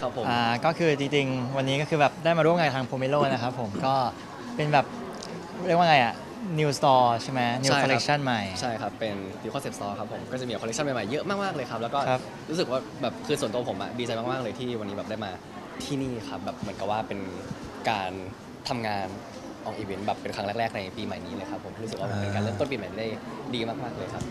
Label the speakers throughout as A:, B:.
A: ครับผม
B: ก็คือจริงๆวันนี้ก็คือแบบได้มาร่วมงานทางโพเมโลนะครับผมก็เป็นแบบเรียกว่าไงNew Store ใช่ไหม New
A: ใช่ครับ
B: Collection ใหม่
A: ใช่ครับเป็น New Concept Store ครับผมก็จะมีคอลเลคชันใหม่ๆเยอะมากๆเลยครับแล้วก็
B: ครับ
A: รู้สึกว่าแบบคือส่วนตัวผมอะดีใจมากๆเลยที่วันนี้แบบได้มาที่นี่ครับแบบเหมือนกับว่าเป็นการทำงานออกอีเวนต์แบบเป็นครั้งแรกๆในปีใหม่นี้เลยครับผมรู้สึกว่ามันเป็นการเริ่มต้นปีใหม่ได้ดีมากๆเลยครับ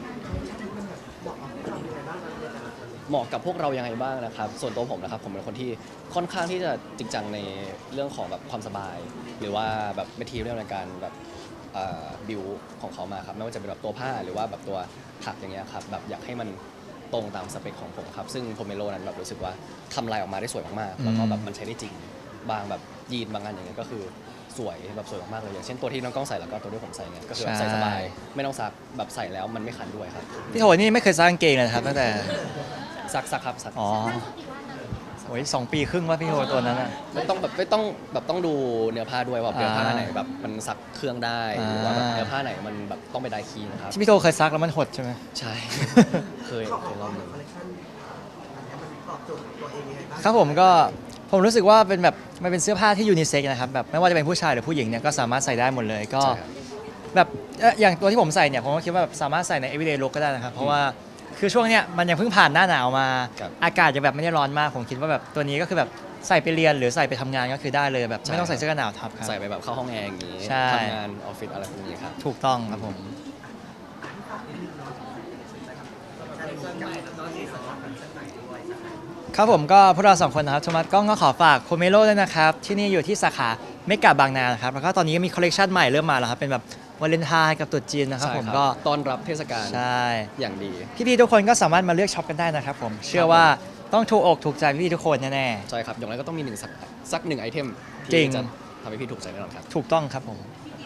A: เหมาะกับพวกเรายังไงบ้างนะครับส่วนตัวผมนะครับผมเป็นคนที่ค่อนข้างที่จะจริงจังในเรื่องของแบบความสบาย หรือว่าแบบเมทีเรียลในการแบบบิวของเขามาครับไม่ว่าจะเป็นแบบตัวผ้าหรือว่าแบบตัวถักอย่างเงี้ยครับแบบอยากให้มันตรงตามสเปคของผมครับซึ่งโพเมโลนั้นแบบรู้สึกว่าทำลายออกมาได้สวยมากๆแล้วก็แบบมันใช้ได้จริงบางแบบยีนบางอันอย่างเงี้ยก็คือสวยแบบสวยมากๆเลยอย่างเช่นตัวที่น้องกล้องใส่แล้วก็ตัวที่ผมใส่เนี่ยก็คือแบบใส่สบายไม่ต้องซักแบบใส่แล้วมันไม่คันด้วยครับ
B: พี่โทนี่ไม่เคยซักกางเกงเลยนะครับตั้งแต่
A: ซักครับซัก
B: อ๋อโอ้ย2 ปีครึ่งว่าพี่โทตัวนั้นอ่ะ
A: ไม่ต้องดูเนื้อผ้าด้วยว่าเนื้อผ้าไหนแบบมันซักเครื่องได้หรือว่าแบบเนื้อผ้าไหนมันแบบต้องไปไดคีนะครับ
B: ที่พี่โทเคยซักแล้วมันหดใช่ไหม
A: ใช่ เคยรอบหนึ่ง
B: ครับผมก็ผมรู้สึกว่าเป็นแบบมันเป็นเสื้อผ้าที่ยูนิเซ็กนะครับแบบไม่ว่าจะเป็นผู้ชายหรือผู้หญิงเนี่ยก็สามารถใส่ได้หมดเลยก็
A: ใช่ครับ
B: แบบอย่างตัวที่ผมใส่เนี่ยผมก็คิดว่าแบบสามารถใส่ใน everyday look ก็ได้นะครับเพราะว่าคือช่วงเนี้ยมันยังเพิ่งผ่านหน้าหนาวมา
A: ครับ
B: อากาศยังแบบไม่ได้ร้อนมากผมคิดว่าแบบตัวนี้ก็คือแบบใส่ไปเรียนหรือใส่ไปทำงานก็คือได้เลยแบบไม่ต้องใส่เสื้อกันหนาวทับครับ
A: ใส่ไปแบบเข้าห้องแอร์อย่างนี้
B: ใช่
A: ทำงานออฟฟิศอะไรพวกนี้ครับ
B: ถูกต้องครับผมครับผมก็พวกเรา2 คนนะครับโทมัสก้องก็ขอฝากโคเมโลด้วยนะครับที่นี่อยู่ที่สาขาเมกะบางนานะครับแล้วก็ตอนนี้ก็มีคอลเลคชันใหม่เริ่มมาแล้วครับเป็นแบบวาเลนไทน์กับตรุษจีนนะครับ
A: ใช่
B: ผม
A: ครับ
B: ก็
A: ต้อนรับเทศกาล
B: ใช่
A: อย่างดี
B: พี่ๆทุกคนก็สามารถมาเลือกช็อปกันได้นะครับผมเชื่อว่าต้องถูกอกถูกใจพี่ๆทุกคนแน่
A: ใช่ครับ อย่างไรก็ต้องมีสักหนึ่งไอเทม
B: จริ
A: ที่
B: ง
A: จะทำให้พี่ถูกใจแน่นอนครับ
B: ๆถูกต้องครับผม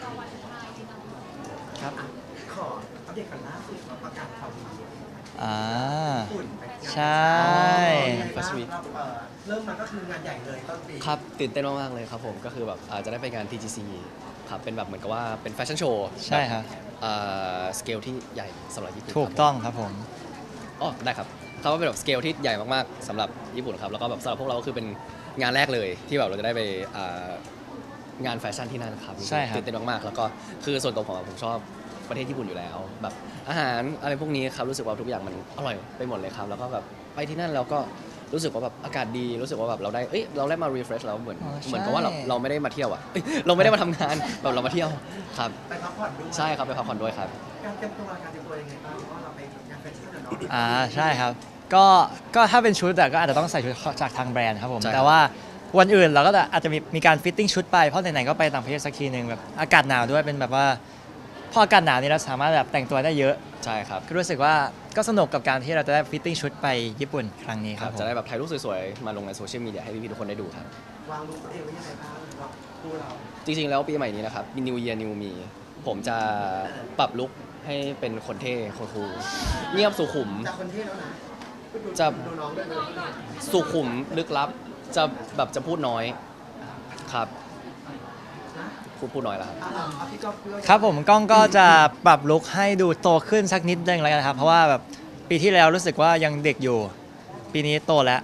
B: ครับ
C: ขออัปเดตกันล่าสุดเราประกาศข่าวดี
B: อ่า
C: ฝุ่นไป
B: ใช่
A: First week
C: เริ่มมาก็คืองานใหญ่เลยต้นปี
A: ครับตื่นเต้นมากๆเลยครับผมก็คือแบบจะได้ไปงาน TGC ครับเป็นแบบเหมือนกับว่าเป็นแฟชั่นโชว์
B: ใช่ครับ
A: สเกลที่ใหญ่สำหรับญี่ปุ่น
B: ถูก
A: ครับ
B: ต้องครับผม
A: อ๋อได้ครับเขาว่าเป็นแบบสเกลที่ใหญ่มากๆสำหรับญี่ปุ่นครับแล้วก็แบบสำหรับพวกเราก็คือเป็นงานแรกเลยที่แบบเราจะได้ไปงานแฟชั่นที่นั่นครับ
B: ใช่ครับ
A: ตื่นเต้นมากๆแล้วก็คือส่วนตัวผมชอบประเทศญี่ปุ่นอยู่แล้วแบบอาหารอะไรพวกนี้ครับรู้สึกว่าทุกอย่างมันอร่อยไปหมดเลยครับแล้วก็แบบไปที่นั่นแล้วก็รู้สึกว่าแบบอากาศดีรู้สึกว่าแบบเราได้มา refresh แล้วเหมือน
B: อ๋อใช่
A: เหมือนกับว่าเราไม่ได้มาเที่ยวอ่ะเราไม่ได้มาทำงานแบบเรามาเที่ยวครับ
C: ไปพักผ่อนด้วย
A: ใช่ครับไปพักผ่อนด้วยครับ
C: การเตรียมตัวยังไงบ้างเพราะว่าเราไปงานแฟชั่นอะเนาะ
B: ใช่ครับก็ถ้าเป็นชุดอะก็อาจจะต้องใส่ชุดจากทางแบรนด์ครับผม
A: ใช่ครับ
B: แต่ว่าวันอื่นเราก็อาจจะมีการฟิตติ้งชุดไปเพราะไหนๆก็ไปต่างประเทศสักทีหนึ่งแบบอากาศหนาวด้วยเป็นแบบว่าพออากาศหนาวนี่เราสามารถแบบแต่งตัวได้เยอะ
A: ใช่ครับ
B: ก็รู้สึกว่าก็สนุกกับการที่เราจะได้ฟิตติ้งชุดไปญี่ปุ่นครั้งนี้ค
A: ค
B: รั
A: รั
B: บบ ผม
A: จะได้แบบถ่ายรูปสวยๆ มาลงในโซเชียลมีเดียให้พี่ๆทุกคนได้ดูครับ
C: วางรูปตัวเองไว้ยังไงบ้างเราดูเรา
A: จริงๆ แล้วปีใหม่นี้นะครับ New Year New Me ผมจะปรับลุคให้เป็นคนเท่คนคูลเงียบสุขุม
C: จากคนเท่แล้วนะ
A: จะ
C: ดูน้องด้วยเลย
A: สุขุมลึกลับ จะพูดน้อยครับ
C: นะ
A: พูดน้อยแล้วครับ
C: เอาพี่ก็เพื่อ
B: ครับผมกล้องก็จะปรับลุคให้ดูโตขึ้นสักนิดนึงแล้วกันครับเพราะว่าแบบปีที่แล้วรู้สึกว่ายังเด็กอยู่ ปีนี้โตแล้ว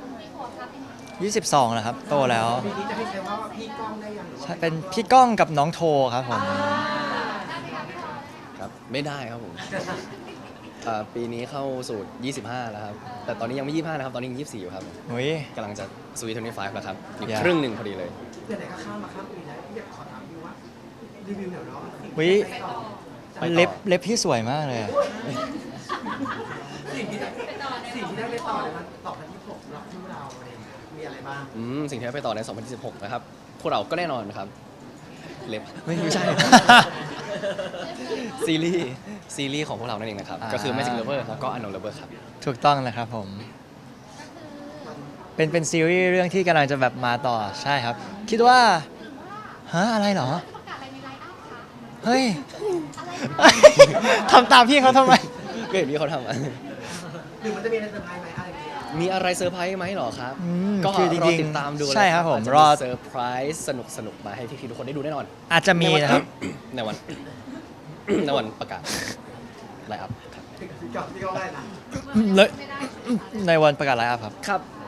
B: 22แล้วครับโตแล้ว
C: ปีนี้จะให้ใช้ว่าพี่ก้องได้ยังหรือว่า
B: ใช่เป็นพี่ก้องกับน้องโทครับผม
A: ครับ ไม่ได้ครับผมปีนี้เข้าสู่ 25 แล้วครับ แต่ตอนนี้ยังไม่ 25 นะครับ ตอนนี้ยัง24 อยู่ครับ
B: อุ้ย
A: กำลังจะสวีท25 แล้วครับอีก
B: อย่า
A: ครึ่งหนึ่งพอดีเลย
C: เดี๋ยวไหนก็ข้ามมาข้ามปีแล้วพี่อยากขอถามพี่ว่ารีวิวหน่อยเนาะ
B: อุ๊ย
C: ไปต่อ
A: ไปต่อ
B: เล็บพี่สวยมากเลยอะ
C: สิ่งที่ได้ไปต่อในวันต่อพันที่6เราคู่เราอะไรอย่างเงี้ยมีอะไรบ้าง
A: สิ่งที่ได้ไปต่อใน 2016 นะครับ พวกเราก็แน่นอนนะครับ เล็บไม่ใช่ ซีรีส์ของพวกเรานั่นเองนะครับ ก็คือ Magic Lover แล้วก็ Unknown Lover ครับ
B: ถูกต้องนะครับผม เป็นซีรีส์เรื่องที่กำลังจะแบบมาต่อใช่ครับ คิดว่าฮะอะไรเหรอ
D: ประกาศอะไรในไลน์อัพคะ
B: เฮ้ย ทำตามพี่เขาทำไม
A: ก็เห็นพี่เขาทำ
C: หรือมันจะมีอะไรเซอร์ไพรส์ไหมอะไรอย่างเงี้ย
A: มีอะไรเซอร์ไพรส์ไหมเหรอครับ ก็
B: คือจ
A: รอ
B: ริง
A: ติดตามดู
B: ๆใช่ครับผม
A: อาจจะ
B: รอ
A: เซอร์ไพรส์สนุกมาให้พี่ๆทุกคนได้ดูแน่นอน
B: อาจจะมีนะครับ
A: ในวัน ในวันประกาศไลน์อัพครับ
C: พี่ก้องได้นะ
B: เลยในวันประกาศไลฟ์อัพครับ
A: ครับ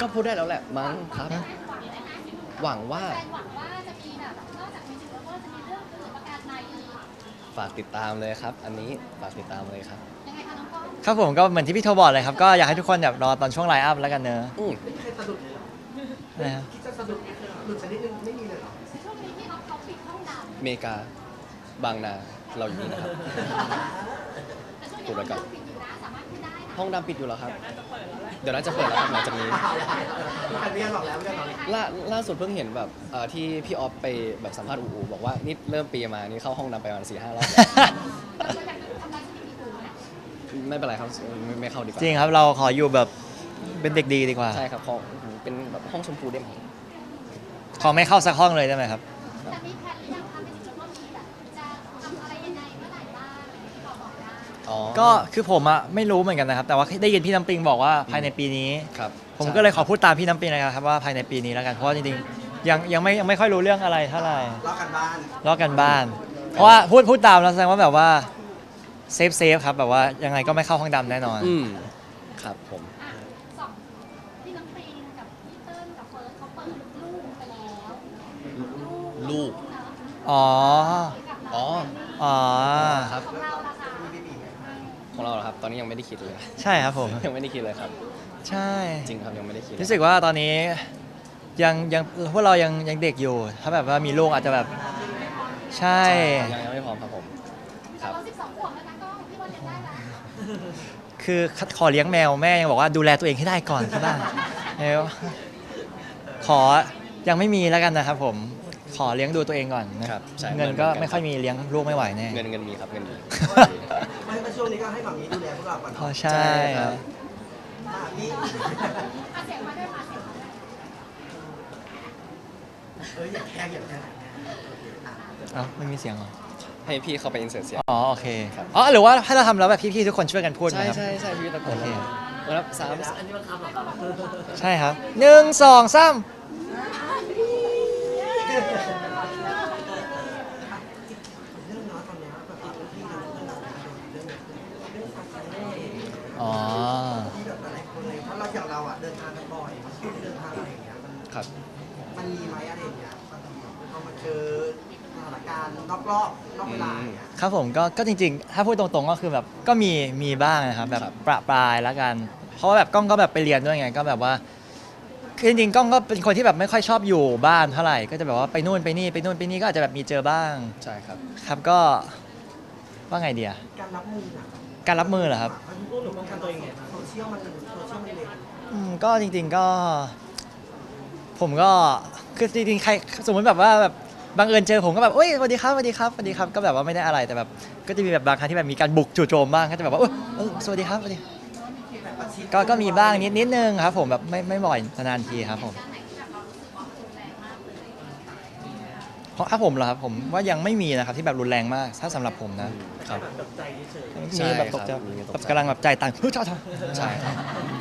A: ก็พูดได้แล้วแหละมั้งครับ หวังว่า
D: แฟนหวังว่าจะมีแบบนอกจากมิวสิกแล้วก็จะมีเรื่องอื่นประการใดอีก
A: ฝากติดตามเลยครับ อันนี้ฝากติดตามเลยครับ
D: ยังไงคะน้องก้อง
B: ครับผมก็เหมือนที่พี่โทบอกเลยครับก็อยากให้ทุกคนแบบรอตอนช่วงไลฟ์อัพแล้วกันเนอะ
A: อืม
C: ไม่มีใครสะดุดเลยเหรอ
B: นะครับ
C: คิดจะสะดุดหลุดสักนิดนึงไม่มีเลยเหรอ
D: ช่วงนี้ที่เขาปิดห้องด
A: อเมริกาบางนาเราอยู่นี่นะครับ
D: ำแต่ช่วงนี้
A: พูดไว้ก่อน
D: ห้องดำปิดอยู่นะสามารถพูดได้นะ
A: ห้องดำปิดอยู่แล้วครับ เดี๋ยวน่าจะเปิดแล้วครับหลังจากนี้
C: อันนี้บอกแล้วไม่ได้บอกแล้ว
A: ล่าสุดเพิ่งเห็นแบบที่พี่ออฟไปแบบสัมภาษณ์อูอูบอกว่านี่เริ่มปีมานี่เข้าห้องดำไปประมาณ4-5 รอบแล้ว
D: เราอยากจะทำลายสถิติดูนะ
A: ไม่เป็นไรครับไม่เข้าดีกว่า
B: จริงครับเราขออยู่แบบเป็นเด็กดีดีกว่า
A: ใช่ครับของเป็นแบบห้องชมพูได้ไหม
B: ขอไม่เข้าสักห้องเลยได้ไหมครับ
D: แต่มีแพลนหรือยังคะมิวสิกแล้วก็มีแบบจะทำอะไรยังไงเมื่อไหร่บ้างอะไรที่เราบอกได้
A: อ๋อ
B: ก็คือผมอะไม่รู้เหมือนกันนะครับ แต่ว่าได้ยินพี่น้ำปิงบอกว่าภายในปีนี้
A: ครับ
B: ผมก็เลยขอพูดตามพี่น้ำปิงนะครับว่าภายในปีนี้แล้วกันเพราะว่าจริงๆยังไม่ค่อยรู้เรื่องอะไรเท่าไหร่
C: รอกันบ้าน
B: ลอกกันบ้าน เพราะว่าพูดตามแล้วแสดงว่าแบบว่าเซฟครับแบบว่ายังไงก็ไม่เข้าห้องดำแน่นอน
A: อืมครับผม
D: อ่ะสองพี่น้ำปิงกับพี่เติ้ลกับเฟิร์สเขาเปิดลูกไปแล้ว
A: ลูก
D: เนอะ
B: อ๋อ
D: กับ
A: อ๋อ
B: อ๋อ
A: ครับ
D: ของเราละค่ะ
A: ของเราเหรอครับ ตอนนี้ยังไม่ได้คิดเลย
B: ใช่ครับผม
A: ยังไม่ได้คิดเลยครับ
B: ใช่
A: จริงครับยังไม่ได้คิด
B: รู้สึกว่าตอนนี้ยังพวกเรายังเด็กอยู่ ถ้าแบบว่ามีลูกอาจจะแบบใช่
A: ยังไม่พร้อมครับผม ครับ
D: เรา12 ขวบแล้วนะก้องพี่บอลยังได้ละ
B: คือขอเลี้ยงแมวแม่ยังบอกว่าดูแลตัวเองให้ได้ก่อนที่บ้านแล้วขอยังไม่มีแล้วกันนะครับผมขอเลี้ยงดูตัวเองก่อนนะครับ
A: ใช่
B: เงินก็ไม่ค่อยมีเลี้ยงลูกไม่ไหวแน่
A: เงินมีครับเงินมี
C: ไม่ก็ช่วงนี้ก็ให้หมามีดูแลพวกเราก่อน
B: อ๋อใช่
A: ครับ
C: พี่
D: อาเสียงมาด้วยมาเสียงมาด้วย
C: อย่าแข่งอย่าแข่ง
B: เอ้าไม่มีเสียงเหรอ
A: ให้พี่เข้าไปอินเสิร์ตเสียง
B: อ๋อโอเค
A: ครับ
B: อ๋อหรือว่าให้เราทำแล้วแบบพี่ๆทุกคนช่วยกันพูดไหม
A: ใช่
B: ครับ
A: ใช่พี่ตะโกน
B: โอเค
A: นะครับสาม
C: อันนี้มันคำเหรอครับ
B: ใช่ครับหนึ่งสองสาม
C: เรื่องน้อยตอนนี้แบบพี่เราเรื่องการแสดง
B: อ๋อ
C: ที่แบบหลายคนเลยเพราะเราอย่างเราอ่ะเดินทางกันบ่อยเดินทางอะไรอย่างเงี้ย
A: ครับ
C: มันมีไหมอะไรอย่างเงี้ยบางทีเรามาเจอสถานการณ์นอกรอบนอกเวลาอย่างเงี้ย
B: ครับผมก็จริงๆ ถ้าพูดตรงๆก็คือแบบก็มีบ้างนะครับแบบ
A: ครับ
B: ประปรายแล้วกัน เพราะว่าแบบกล้องก็แบบไปเรียนด้วยไงก็แบบว่าคือจริงๆกล้องก็เป็นคนที่แบบไม่ค่อยชอบอยู่บ้านเท่าไหร่ก็จะแบบว่าไปนู่นไปนี่ไปนู่นไปนี่ก็อาจจะแบบมีเจอบ้าง
A: ใช่ครับ
B: ครับก็ว่าไงเดีย
C: การรับมืออ่ะ
B: การรับมือเหรอครับ
C: มันพูดหรือป้องกันตัวเองไงโซเชียลมันเร็ว
B: ก็จริงๆก็ผมก็คือจริงๆใครสมมติแบบว่าแบบบังเอิญเจอผมก็แบบโอ้ยสวัสดีครับสวัสดีครับสวัสดีครับก็แบบว่าไม่ได้อะไรแต่แบบก็จะมีแบบบางครั้งที่แบบมีการบุกจู่โจมบ้างก็จะแบบว่าสวัสดีครับสวัสดี
C: แบบประชิด
B: ก็มีบ้างนิดนึงครับผมแบบไม่บ่อยนานๆทีครับผม
D: การไหนที่แบบเรารู้สึกว่ารุนแรงมากเลย
B: เพราะถ้าผมเหรอครับผมว่ายังไม่มีนะครับที่แบบรุนแรงมากถ้าสำหรับผมนะ
A: ครับ
C: แบบตกใจเฉย
A: ใช่
B: มีแบบตกใจ
A: ครับมีตกใจ
B: แบบกำลังแบบใจต่างเฮ้ย
A: ใช่ครับ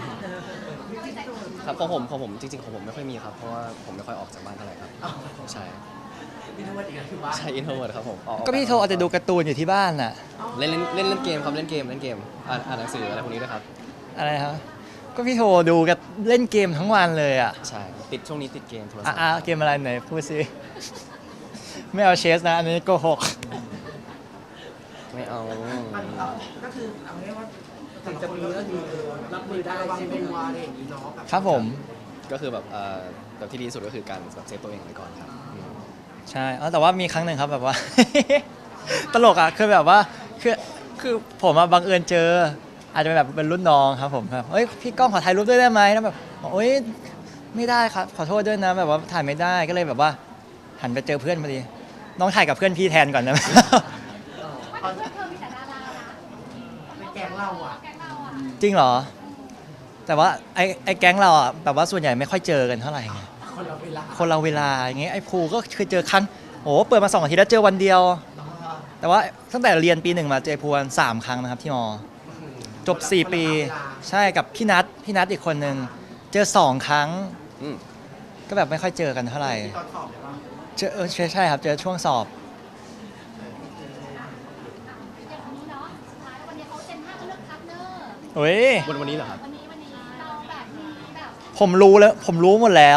A: ครับของผมจริงๆของผมไม่ค่อยมีครับ เพราะว่าผมไม่ค่อยออกจากบ้านเท่าไหร่ครับ ใช่
C: พี่นวัดอีกแล้วคือว่า
A: ใช่อินโทรเวิร์ดครับผมออ
B: ก็พี่โทรอาจจะดูการ์ตูนอยู่ที่บ้านน่ะ
A: เล่นเกมครับเล่นเกมอ่านหนังสืออะไรพวกนี้ด้วยครับ
B: อะไรครับก็พี่โทรดูกับเล่นเกมทั้งวันเลยอ่ะ
A: ใช่ช่วงนี้ติดเกมโทรศัพท์
B: เกมอะไรไหนพูดสิ ไม่เอาเชสนะอันนี้โกหก
A: ไม่เอา
C: มันก็คือเอาง่ายว่าถึงจะมีก็คือรับมือได้ใช่ไหมว่าอะไรอย่างนี้เนาะ
B: ครับผม
A: ก็คือแบบที่ดีที่สุดก็คือการแบบเซฟตัวเองไว้ก่อนครับอืม
B: ใช่แต่ว่ามีครั้งหนึ่งครับแบบว่า ตลกอ่ะคือแบบว่าคือผมบังเอิญเจอ อาจจะเป็นแบบเป็นรุ่นน้องครับผมแบบเฮ้ยพี่ก้องขอถ่ายรูปด้วยได้ไหมแล้วแบบโอ๊ยไม่ได้ครับขอโทษด้วยนะแบบว่าถ่ายไม่ได้ก็เลยแบบว่า หันไปเจอเพื่อนพอดีน้องถ่ายกับเพื่อนพี่แทนก่อนนะ
D: ว่าแต่เพื่อนเธอมีแต่ดารานะ
C: ในแกงเราอ่ะ
D: แก๊งเราอ่ะ
B: จริงเหรอ แต่ว่าไอ้แก๊งเราอ่ะแบบว่าส่วนใหญ่ไม่ค่อยเจอกันเท่าไหร่ไง
C: คนละเวลา
B: คนเราเวลาอย่างเงี้ยไอ้ภูก็เคยเจอครั้งโอ้เปิดมา2 อาทิตย์แล้วเจอวันเดียว แต่ว่าตั้งแต่เรียนปี 1มาเจอภูวัน3 ครั้งนะครับที่มอ จบ 4 ปี ใช่กับพี่นัทอีกคนนึงเจอ 2 ครั้ง
A: อืม
B: ก็แบบไม่ค่อยเจอกันเท่าไหร่
C: ตอนสอบเลยว่า
B: เจอใช่ครับเจอช่วงสอบ
D: อย่างนี้เนาะสุดท้ายวันนี้เขาเจน5เขาเลือกพาร์ทเนอร์
B: โอ้ย
A: วันนี้เหรอครับ
D: วันนี้เราแบบมีแบบ
B: ผมรู้แล้ว ผมรู้หมดแล้ว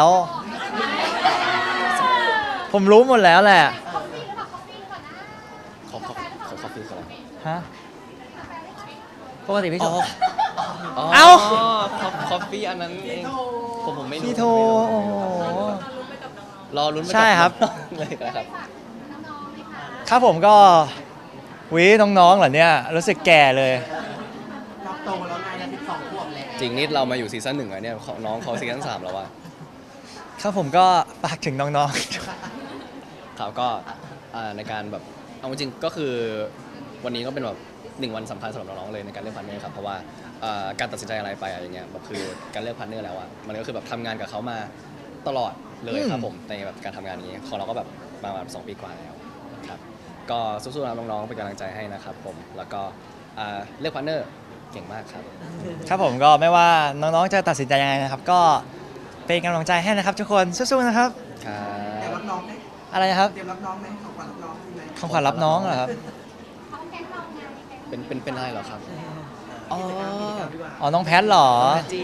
B: ผมรู้หมดแล้วแหละ
D: คอฟฟี่หรือเปล่าคอฟฟี่หรือเปล่านะ
A: ขอคอฟฟี่ก่อน
B: ฮะปกติพี่โท
A: เอ้า
B: เอ้า
A: คอฟฟี่อันนั้นเองผมไม่รู้
B: พี่โทโอ้โห
A: รอลุ้นไปกับ
B: ใช่ครับ
A: น้องๆเลยนะครับ
D: ฝากน้องๆไหมคะ
B: ครับผมก็วิน้องๆเหรอเนี่ยรู้สึกแก่เลย
C: รับโตแล้วไงนะ12 ขวบแล้ว
A: จริงนี่เรามาอยู่ซีซั่น 1แล้วเนี่ยน้องเขาซีซั่น 3แล้วว่ะ
B: ครับผมก็ฝากถึงน้อง
A: ครับก็ในการแบบเอาจริงๆก็คือวันนี้ก็เป็นแบบ1 วันสำคัญสำหรับน้องๆเลยในการเลือกพาร์ทเนอร์ครับเพราะว่าการตัดสินใจอะไรไปอะไรอย่างเงี้ยแบบคือการเลือกพาร์ทเนอร์แล้วอะมันก็คือแบบทำงานกับเขามาตลอดเลยครับผมในแบบการทำงานนี้ของเราก็แบบมาแบบ2 ปีกว่าแล้วครับก็สู้ๆนะน้องๆเป็นกำลังใจให้นะครับผมแล้วก็เลือกพาร์ทเนอร์เก่งมากครับ
B: ๆ ครับผมก็ไม่ว่าน้องๆจะตัดสินใจยังไงนะครับ ก็เป็นกำลังใจให้นะครับทุกคนสู้ๆนะครับ
A: ครั
C: เตรียม
A: บ
C: รับน้องไหม
B: อะไรนะครับ
C: เตรียมรับน้องไหมของขวัญรับน้องมีไหม
B: ของขวัญรับน้องเหรอครับ
D: เขาแก๊งเราไงแก๊ง
A: เป็นอะไรเหรอครับอ๋อ
B: อ๋อน้องแพทเหรอ
A: จี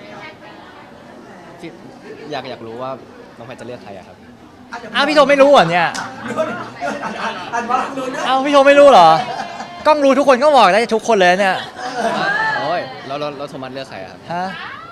A: ที่อยากรู้ว่าน้องแพทจะเลือกใครอะครับ
B: อ้าวพี่โทไม่รู้เหรอเนี่ย
C: อันว่าดูนะ
B: อ้าวพี่โทไม่รู้เหรอกล้องรู้ทุกคนก็บอกได้ทุกคนเลยเนี่ย
A: โอ้ยแล้วโทมัสเลือกใครอะครับ
B: ฮะ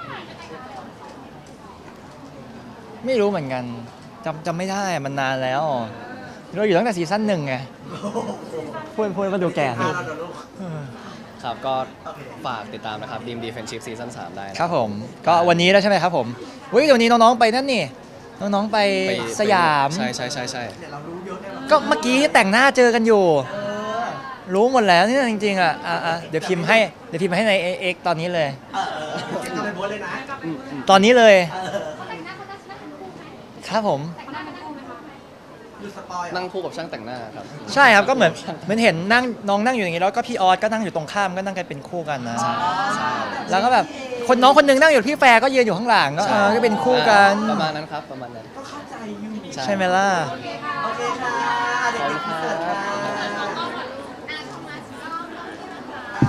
B: ไม่รู้เหมือนกันจำไม่ได้มันนานแล้วเราอยู่ตั้งแต่ซีซั่น 1ไงพูดมาดูแก่
C: อ่ะ
B: ดู
C: เราเดี๋ยวลูก
A: ครับก็ฝากติดตามนะครับดีมดีเฟนชิพซีซั่น3ได้นะครับ
B: ผมก็วันนี้แล้วใช่ไหมครับผมเฮ้ยเดี๋ยวนี้น้องๆไปนั่นนี่น้องๆไปสยาม
A: ใช่
C: เดี๋ยวเรารู้เยอะแน่นอน
B: ก็เมื่อกี้แต่งหน้าเจอกันอยู่
C: เออ
B: รู้หมดแล้วนี่จริงๆอ่ะเดี๋ยวพิมพ์ให้ใน X ตอนนี้เลย
C: เก็บกลับไปโพสต์เลยนะ
B: ตอนนี้เลย
D: เขาแต่งหน้าเขาจะนั่งคู่ไหม
B: ครับผม
D: แต่งหน้ากันคู่ไหมคะ
C: ดูสปอยล์
A: นั่งคู่กับช่างแต่งหน้าครับ
B: ใช่ครับก็เหมือนเห็นนั่งน้องนั่งอยู่อย่างนี้แล้วก็พี่ออสก็นั่งอยู่ตรงข้ามก็นั่งกันเป็นคู่กันนะ
A: ใช่
B: แล้วก็แบบน้องคนหนึงนั่งอยู่พี่แฟร์ก็ยืนอยู่ข้างหลังก็ก็เป็นคู่กัน
A: ประมาณนั้นครับประมาณนั้น
C: ก็เข้าใจอยู่
B: ใช่ไหมล่ะ
C: โอเคค่ะ เดี๋ยว
A: ขอบคุณ
C: เสิร์ต
A: ครั
C: ค่ะ
A: บ